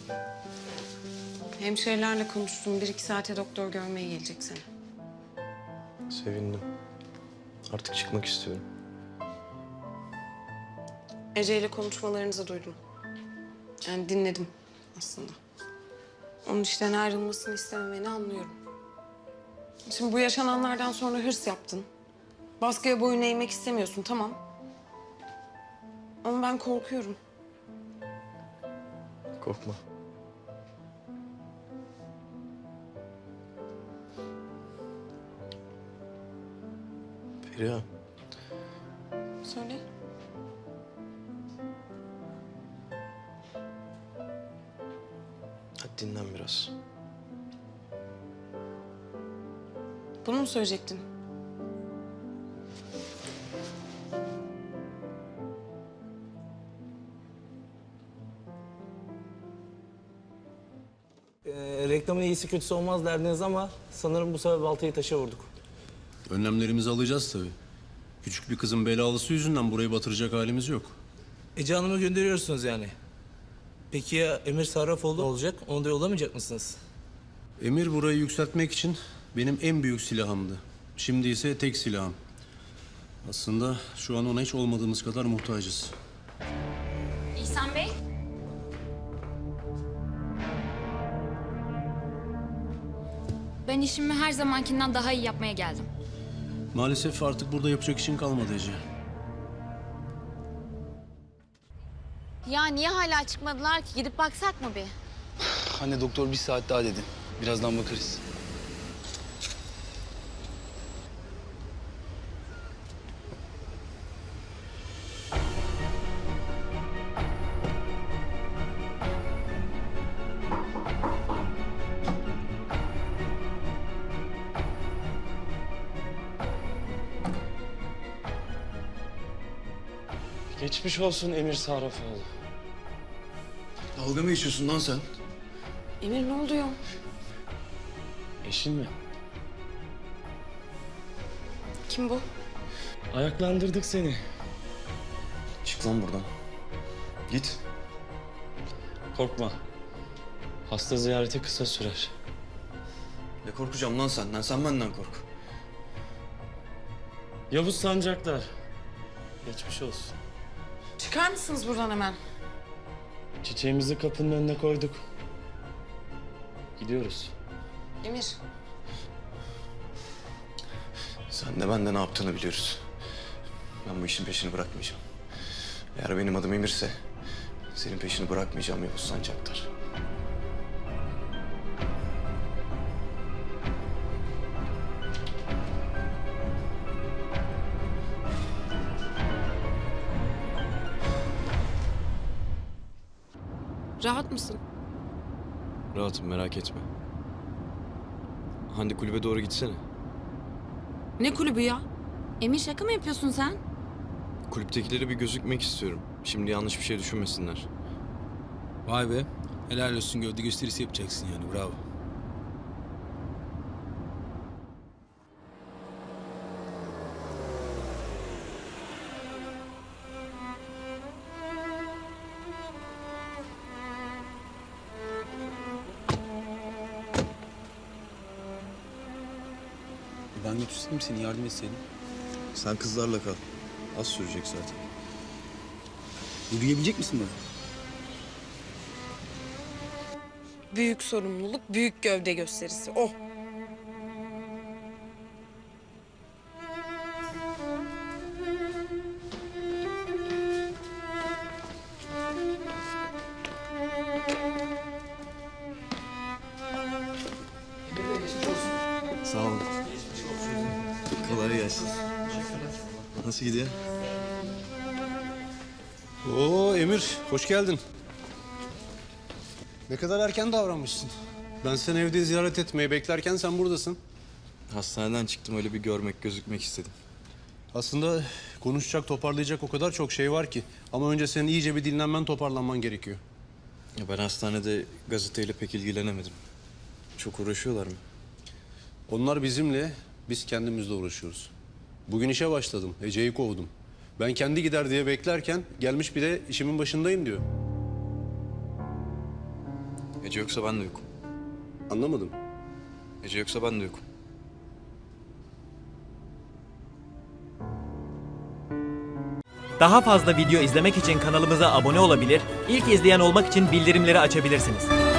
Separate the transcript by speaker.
Speaker 1: Hemşirelerle konuştum. 1-2 saate doktor görmeye gelecek seni.
Speaker 2: Sevindim. Artık çıkmak istiyorum.
Speaker 1: Ece ile konuşmalarınızı duydum. Yani dinledim aslında. Onun işten ayrılmasını istememeni anlıyorum. Şimdi bu yaşananlardan sonra hırs yaptın. Baskıya boyun eğmek istemiyorsun, tamam. Ama ben korkuyorum.
Speaker 2: Korkma. Feriha,
Speaker 1: Söyle.
Speaker 2: hadi dinlen biraz.
Speaker 1: Bunu mu söyleyecektin?
Speaker 3: Reklamın iyisi kötüsü olmaz derdiniz ama sanırım bu sefer baltayı taşa vurduk.
Speaker 4: Önlemlerimizi alacağız tabii. Küçük bir kızın belalısı yüzünden burayı batıracak halimiz yok.
Speaker 3: Ece Hanım'ı gönderiyorsunuz yani. Peki ya Emir Sarrafoğlu olacak? Onu da yollamayacak mısınız?
Speaker 4: Emir burayı yükseltmek için benim en büyük silahımdı. Şimdi ise tek silahım. Aslında şu an ona hiç olmadığımız kadar muhtacız.
Speaker 5: İhsan Bey. Ben işimi her zamankinden daha iyi yapmaya geldim.
Speaker 4: Maalesef artık burada yapacak işin kalmadı Ece.
Speaker 6: Ya niye hala çıkmadılar ki? Gidip baksak mı bir?
Speaker 7: Anne doktor bir saat daha dedi. Birazdan bakarız.
Speaker 2: Geçmiş olsun Emir Sarrafoğlu.
Speaker 7: Dalga mı geçiyorsun lan sen?
Speaker 1: Emir ne oluyor?
Speaker 2: Eşin mi?
Speaker 1: Kim bu?
Speaker 2: Ayaklandırdık seni.
Speaker 7: Çık lan buradan. Git.
Speaker 2: Korkma. Hasta ziyareti kısa sürer.
Speaker 7: Ne korkacağım lan senden? Sen benden kork.
Speaker 2: Yavuz Sancaktar. Geçmiş olsun.
Speaker 1: Çıkar mısınız buradan hemen?
Speaker 2: Çiçeğimizi kapının önüne koyduk. Gidiyoruz.
Speaker 1: Emir.
Speaker 7: Sen de ben de ne yaptığını biliyoruz. Ben bu işin peşini bırakmayacağım. Eğer benim adım Emir'se senin peşini bırakmayacağım Yavuz Sancaktar.
Speaker 1: Rahat mısın?
Speaker 2: Rahatım, merak etme. Hande kulübe doğru gitsene.
Speaker 1: Ne kulübü ya?
Speaker 6: Emir şaka mı yapıyorsun sen?
Speaker 2: Kulüptekilere bir gözükmek istiyorum. Şimdi yanlış bir şey düşünmesinler.
Speaker 4: Vay be. Helal olsun, gövde gösterisi yapacaksın yani, bravo. Ben götürseydim seni, yardım etseydim.
Speaker 7: Sen kızlarla kal. Az sürecek zaten.
Speaker 4: Yürüyebilecek misin bana?
Speaker 1: Büyük sorumluluk, büyük gövde gösterisi. Oh.
Speaker 7: Sağ olun. Kolay gelsin. Nasıl gidiyor?
Speaker 4: Oo Emir, hoş geldin. Ne kadar erken davranmışsın. Ben seni evde ziyaret etmeyi beklerken sen buradasın.
Speaker 7: Hastaneden çıktım, öyle bir görmek, gözükmek istedim.
Speaker 4: Aslında konuşacak, toparlayacak o kadar çok şey var ki. Ama önce senin iyice bir dinlenmen, toparlanman gerekiyor.
Speaker 2: Ya ben hastanede gazeteyle pek ilgilenemedim. Çok uğraşıyorlar mı?
Speaker 4: Onlar bizimle, biz kendimizle uğraşıyoruz. Bugün işe başladım, Ece'yi kovdum. Ben kendi gider diye beklerken gelmiş bir de işimin başındayım diyor.
Speaker 2: Ece yoksa ben de yokum.
Speaker 4: Anlamadım.
Speaker 2: Ece yoksa ben de yokum.
Speaker 8: Daha fazla video izlemek için kanalımıza abone olabilir, ilk izleyen olmak için bildirimleri açabilirsiniz.